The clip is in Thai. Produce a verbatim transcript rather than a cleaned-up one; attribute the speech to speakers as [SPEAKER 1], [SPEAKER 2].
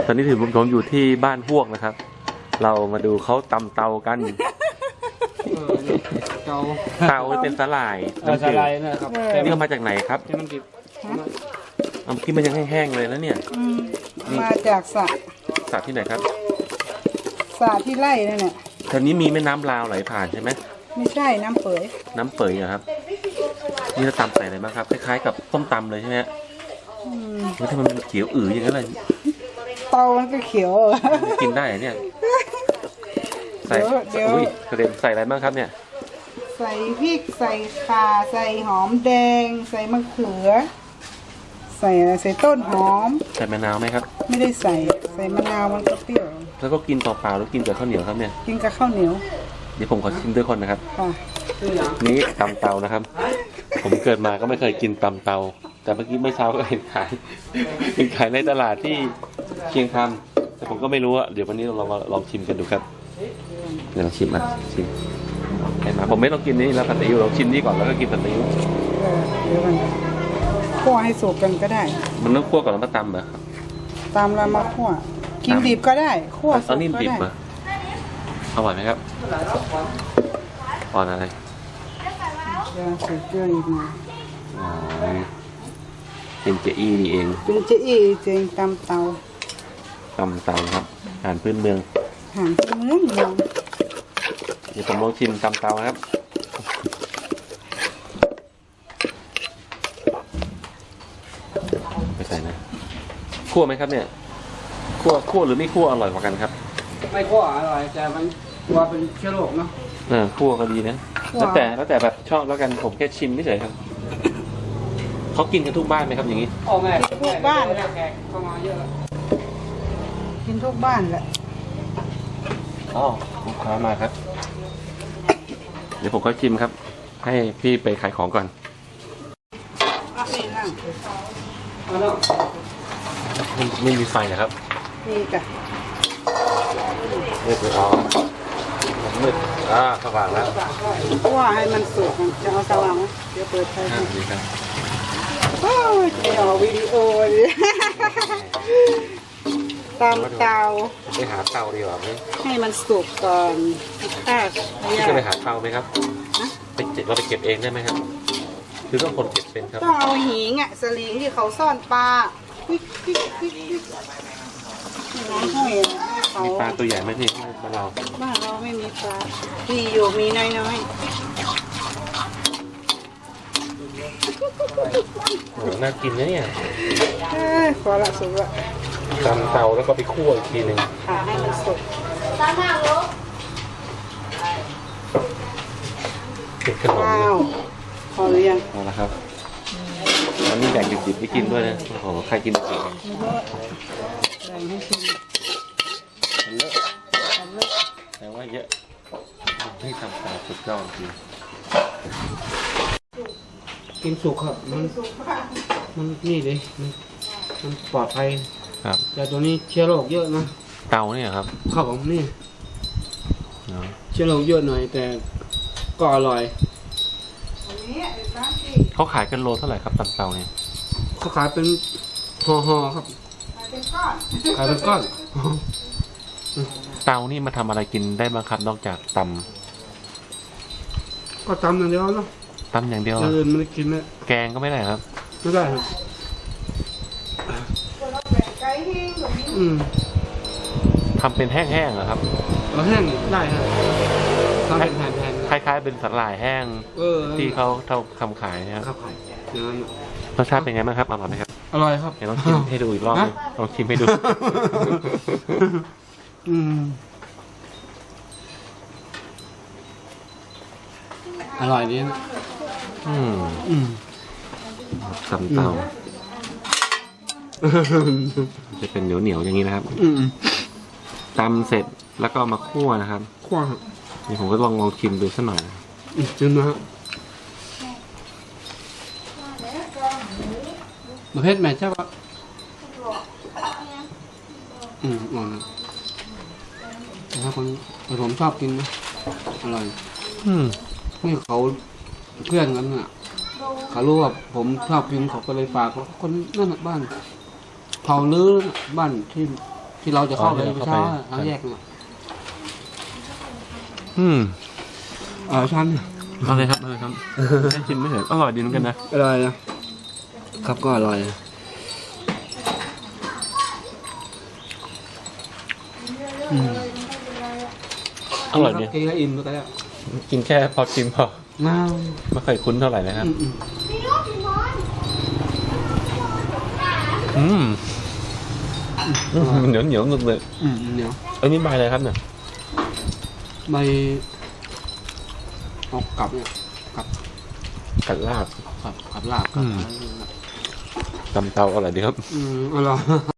[SPEAKER 1] ตอนนี้ถือผมอยู่ที่บ้านพวกนะครับเรามาดูเขาตำเตากัน
[SPEAKER 2] เตา
[SPEAKER 1] เตาเป็นสลาย
[SPEAKER 2] สลายนะครับ
[SPEAKER 1] นี่ก็มาจากไหนครับ
[SPEAKER 2] ที่มันกิน
[SPEAKER 1] เอาที่มันยังแห้งๆเลยแล้วเนี่ย
[SPEAKER 3] มาจากสระ
[SPEAKER 1] สระที่ไหนครับ
[SPEAKER 3] สระที่ไร่นั่นแหละ
[SPEAKER 1] แถวนี้มีแม่น้ำลาวไหลผ่านใช่ไหม
[SPEAKER 3] ไม่ใช่น้ำเปย
[SPEAKER 1] น้ำเปยเหรอครับนี่เราตำใส่อะไรบ้างครับคล้ายๆกับต้มตำเลยใช่ไหมแล้วทำไมมันเขียวอื๋ออย่างนั้นเลย
[SPEAKER 3] เตามันก็เขียว
[SPEAKER 1] กินได้เนี่ยใส่อุ้ยกระเด็นใส่อะไรบ้างครับเนี่ย
[SPEAKER 3] ใส่พริกใส่ข่าใส่หอมแดงใส่มะเขือใส่ใส่ต้นหอม
[SPEAKER 1] ใส่มะนาวไหมครับ
[SPEAKER 3] ไม่ได้ใส่ใส่มะนาวมันก็เปรี้ยว
[SPEAKER 1] แล้วก็กินเปล่าๆหรือกินกับข้าวเหนียวครับเนี่ย
[SPEAKER 3] กินกับข้าวเหนียว
[SPEAKER 1] เดี๋ยวผมขอชิมด้วยคนนะครับนี่ตำเตานะครับผมเกิดมาก็ไม่เคยกินตำเตาแต่เมื่อกี้เมื่อเช้าก็เห็นขายเห็นขายในตลาดที่เชียงคำแต่ผมก็ไม่รู้อะเดี๋ยววันนี้เรามาลองชิมกันดูครับเดี๋ยวลองชิมอ่ะชิมเห็นไหมผมไม่ต้องกินนี่แล้วผัดซีอิ๊วลองชิมนี่ก่อนแล้วก็กินผัดซีอิ๊ว
[SPEAKER 3] เดี๋ยวมันคั่วให้สุกกันก็ได้
[SPEAKER 1] มันต้องคั่วก่อนแล้วมาตำเหรอ
[SPEAKER 3] ตำแล้วมาคั่วกินดิบก็ได้คั่วสุกก็ได้
[SPEAKER 1] อร่อยไหมครับอ่อนอะไร
[SPEAKER 3] จะใส่เกลืออีกหน่อย
[SPEAKER 1] อ๋อเป็นเจอี้นี่เอง
[SPEAKER 3] เป็นเจอี้เจงตำเตา
[SPEAKER 1] ตำเตาครับอาหารพื้นเมือง
[SPEAKER 3] อาหารพื้นเมือง
[SPEAKER 1] เดี๋ยวผมลองชิมตำเตาครับไม่ใส่นะคั่วไหมครับเนี่ยคั่วคั่วหรือไม่คั่วอร่อยกว่ากันครับ
[SPEAKER 2] ไม่คั่วอร่อยแต่มันว่าเป็นเชื้อโรคเนาะ
[SPEAKER 1] เออคั่วก็ดีนะแล้วแต่แล้วแต่แบบชอบแล้วกันผมแค่ชิมไม่เฉยครับเขากินกันทุกบ้านไหมครับอย่างนี้
[SPEAKER 2] อ๋อแม่
[SPEAKER 3] ทุกบ้าน
[SPEAKER 2] แขกเข้ามาเยอะแล้ว
[SPEAKER 3] กินทุกบ้านแหละ
[SPEAKER 1] อ๋อลูกค้ามาครับเดี๋ยวผมก็ชิมครับให้พี่ไปขายของก่อนไม่มีไฟนะครับ
[SPEAKER 3] มีจ้ะ
[SPEAKER 1] มืดเลยอ๋อมืดอ่าสว่างแล้ว
[SPEAKER 3] ว่าให้มันสุกจะเอาสว่างไหมเดี๋ยวเปิดไฟให้
[SPEAKER 1] ดีครับ
[SPEAKER 3] โอ้ยจะเอาวิดีโอดิตามเตา
[SPEAKER 1] ไปหาเตาดีกว่าไหม
[SPEAKER 3] ให้มันสุกก่อนถ้า
[SPEAKER 1] พี่จะไปหาเตาไหมครับไปเก็บเราไปเก็บเองได้ไหมครับคือต้องคนเก็บเป็นครับ
[SPEAKER 3] ต้องเอาหิงอ่ะสลิงที่เขาซ่อนปลาน้ำห้อยเขา
[SPEAKER 1] มีปลาตัวใหญ่ไหมพี่บ้านเรา
[SPEAKER 3] บ้านเราไม่มีปลาที่อยู่มีน้อยน้อย
[SPEAKER 1] โอ้น่ากินนะเนี่ย
[SPEAKER 3] ขอละสุกละ
[SPEAKER 1] ตำเตาแล้วก็ไปคั่วอีกทีหนึ่ง
[SPEAKER 3] ค่ะให้มันสุกตามมาลูก
[SPEAKER 1] เป็นขนม
[SPEAKER 3] พอหรือยัง
[SPEAKER 1] พอแล้วครับอันนี้แบ่งดิบๆไปกินด้วยนะโอ้โหใครกินดิบๆแบ่ง
[SPEAKER 3] ให้ชิม
[SPEAKER 1] มันเลอะแต่ว่าเยอะให้ทำตาสุดยอดจริง
[SPEAKER 2] กินสุกครับมันมันนี่เลยมันปลอดภัย
[SPEAKER 1] ครับ
[SPEAKER 2] แต่ตัวนี้เชื้อโรคเยอะนะ
[SPEAKER 1] เตาเนี่ยครับ
[SPEAKER 2] ครับผมนี่เชื้อโรคเยอะหน่อยแต่ก็อร่อย
[SPEAKER 1] เขาขายกันโลเท่าไหร่ครับตำเตาเนี่ย
[SPEAKER 2] เขาขายเป็นห่อๆครับขายเป็นก้อน
[SPEAKER 1] เตานี่มาทำอะไรกินได้บ้างครับนอกจากต
[SPEAKER 2] ำก็ตำอย่างเดียวเนาะ
[SPEAKER 1] ตำอย่างเดียว
[SPEAKER 2] เออไม่ได้กินนะ
[SPEAKER 1] แกงก็ไม่ได้ครับ
[SPEAKER 2] ไม่ได้ครับอืม
[SPEAKER 1] ทำเป็นแห้งๆเหรอครับ
[SPEAKER 2] เราแห้งได้ครับทำเป็นแผ่น
[SPEAKER 1] ๆคล้ายๆเป็นสาหร่ายแห้งที่เขาทำขายนะครับรสชาติเป็นไงบ้างครับอร่อยไหมครับ
[SPEAKER 2] อร่อยครับ
[SPEAKER 1] เดี๋ยวลองชิมให้ดูอีกรอบนึงลองชิมให้ดู
[SPEAKER 2] อืมอร่อยดีนะ
[SPEAKER 1] อืมอืมตำเตาจะเป็นเหนียวเหนียวอย่างนี้นะครับตำเสร็จแล้วก็มาคั่วนะครับ
[SPEAKER 2] คั่ว
[SPEAKER 1] นี่ผมก็ลองลองชิมดูสักหน่อย
[SPEAKER 2] ชิมนะฮะประเภทแม่ใช่ปะอืมอ่อนนะถ้าคนผมชอบกินนะอร่อย
[SPEAKER 1] อืม
[SPEAKER 2] นี่เขาเพื่อนกันน่ะเขารู้ว่าผมชอบกินเขาก็เลยฝากคนนั่นบ้านเผาลื้อบ้านที่ที่ที่เราจะเข้าไป
[SPEAKER 1] อ๋อที่เรา
[SPEAKER 2] เช้า
[SPEAKER 1] เข้าไป
[SPEAKER 2] เอาแยกมา
[SPEAKER 1] อืม
[SPEAKER 2] เออชั้น
[SPEAKER 1] เอาเลยครับเอาเลยครับให้ชิมไม่เห็นอร่อยดีเหมือนกันนะ
[SPEAKER 2] อร่อยนะครับก็อร่อย อืม
[SPEAKER 1] อร่อยดี
[SPEAKER 2] กินแล้วอิ่มก็แล้ว
[SPEAKER 1] กินแค่พอชิมพอ
[SPEAKER 2] น้า
[SPEAKER 1] ไม่เคยคุ้นเท่าไหร่นะครับ
[SPEAKER 2] อืมอืม
[SPEAKER 1] อืมอืมเหนียวเหนียวหนึบเลย
[SPEAKER 2] อืมเหนียว
[SPEAKER 1] อันนี้ใบอะไรครับเนี่ย
[SPEAKER 2] ใบออกกลับเนี่ยกลับ
[SPEAKER 1] กัดลาบ
[SPEAKER 2] กลับกลับลาบกลับ
[SPEAKER 1] อืม ตำเตาอร่อยดีครับ
[SPEAKER 2] อืมอร่อย